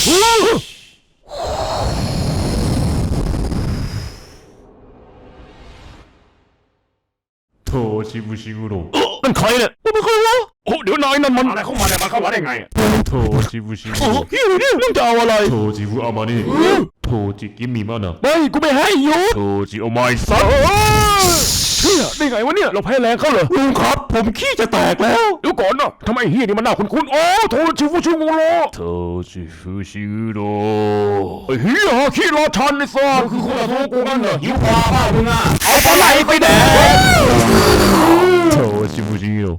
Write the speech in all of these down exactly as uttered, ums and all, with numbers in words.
โทชิบุชิกุโร่นั่นใครเนี่ยไม่เคยวะโอ้เดี๋ยวนายนั่นมันอะไรเข้ามาเนี่ยมันเข้ามาได้ไงโทชิบุชิกุโร่เฮ้ยนี่มึงจะเอาอะไรโทจิบุอามานี่โทจิกิมิมานะไม่กูไม่ให้ยูโทจิโอไมซัสเชี่ยได้ไงวะเนี่ยเราแพ้แรงเขาเหรอลุงครับผมขี้จะแตกแล้วเดี๋ยวก่อนนะทำไมเฮียนี่มันน่าคุ้นๆโอ้โทจิบุชิกุโร่โทจิบุชิกุโร่ไอ้เฮียขี้รอชันไอ้สัสคือคนละโทกูนั่นเหรอหิวพาบ้ามึงอ่ะเอาปลาไหลไปแดกโทจิบุชิกุโร่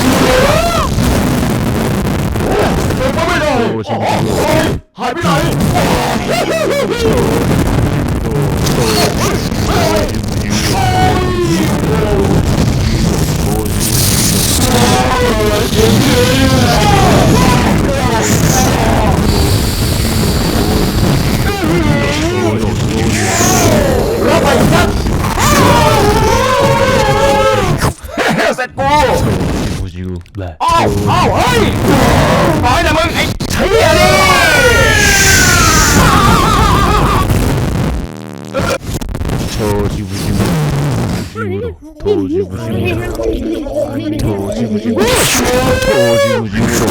ไม่ได้หายไปไหนรับไปสักเสร็จกูอ้าวอ้าวเฮ้ยปล่อยนะมึงไอ้เชี่ยนี่โทจิบุชิกุโทจิบุชิกุโทจิบุชิกุโทจิบุชิกุ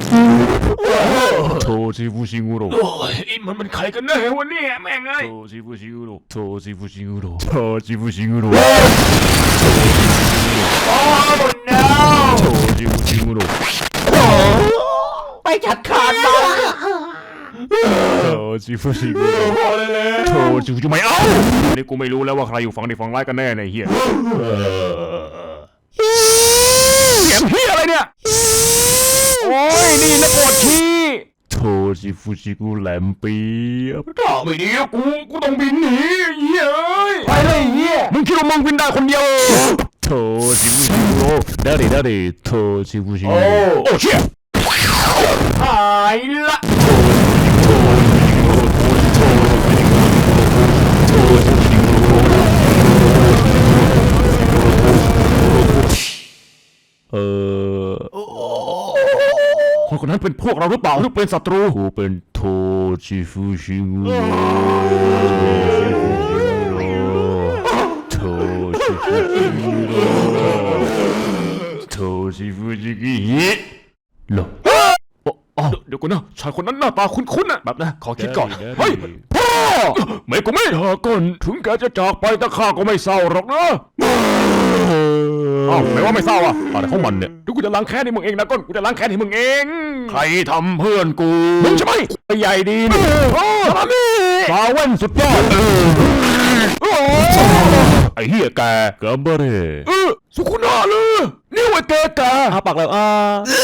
โทจิบุชิกุโอ้ยมันมันใครกันแน่วะเนี่ยแม่งเอ้ยโทจิบุชิกุโทจิบุชิกุโทจิบุชิกุโอ้ no โทจิบุชิกุไปจัดการมันโทจิบุชิกุโทจิบุชิกุไม่เอานี่กูไม่รู้แล้วว่าใครอยู่ฝั่งดีฝั่งร้ายกันแน่ในเฮียเสียงเฮียอะไรเนี่ยโอ้ยนี่นักบวชชีโทจิบุชิกุแหลมปีถ้าไม่ดีกูกูต้องบินหนีเฮียเอ้ยไปเลยเฮียมึงคิดว่ามึงบินได้คนเดียวโทจิบุชิกุได้ดิได้ดิโทจิบุชิกุโอ้เชี่ยหายละเออคนคนนั้นเป็นพวกเราหรือเปล่าหรือเป็นศัตรูกูเป็นโทจิบุชิกุโทจิบุชิกุโทจิบุชิกุเหรอเดี๋ยวก่อนนะชายคนนั้นหน้าตาคุ้นๆนะแบบนะขอคิดก่อนเฮ้ยพ่อไม่กูไม่หาก่อนถึงแกจะจากไปแต่ข้าก็ไม่เศร้าหรอกนะอ้าวไม่ว่าไม่เศร้าอ่ะอะไรของมันเนี่ยเดี๋ยวกูจะล้างแค้นให้มึงเองนะก้นกูจะล้างแค้นให้มึงเองใครทำเพื่อนกูมึงใช่ไหมใหญ่ดีนี่ซามี่ฟาเว่นสุดยอดไอ้เหี้ยแกเกิร์บเร่เออสุขุนาเลยนี่ไอ้แกแกหาปากแล้วอ่า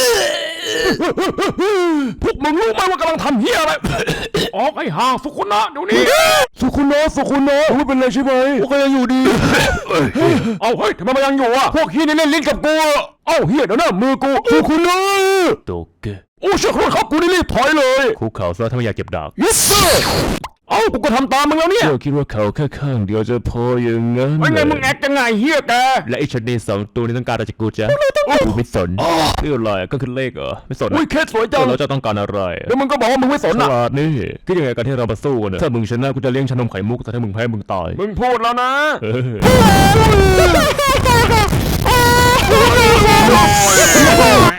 พวกมึงรู้ไหมว่ากำลังทำเหี้ยอะไรออกไอ้ห่าสุขุนะเดี๋ยวนี้สุขุนะสุขุนะไม่เป็นไรใช่ไหมพวกยังอยู่ดีเอาเฮ้ยทำไมมันยังอยู่อ่ะพวกเหี้ยนี่เล่นลิ้นกับกูเอ้าเหี้ยเดี๋ยวนะมือกูสุขุนะโตเกะโอ้เชื่อครับกูนี่รีบถอยเลยคุกเข่าซะถ้าไม่อยากเก็บดาบยิสเซอร์เอ้ากูก็ทำตามมึงแล้วเนี่ยเจ้าคิดว่าเขาแค่ข้างเดียวจะพออย่างงั้นไม่ไงมึงแอกยังไงเฮียแกและไอ้ชนีสองตัวนี้ต้องการอะไรจากกูจ๊ะกูไม่สนเรื่องอะไรก็คือเลขเหรอไม่สนอุ้ยเคสสวยจังเราจะต้องการอะไรแล้วมึงก็บอกว่ามึงไม่สนอ่ะนี่ก็ยังไงกันที่เรามาสู้กันถ้ามึงชนะกูจะเลี้ยงชานมไข่มุกแต่ถ้ามึงแพ้มึงตายมึงพูดแล้วนะ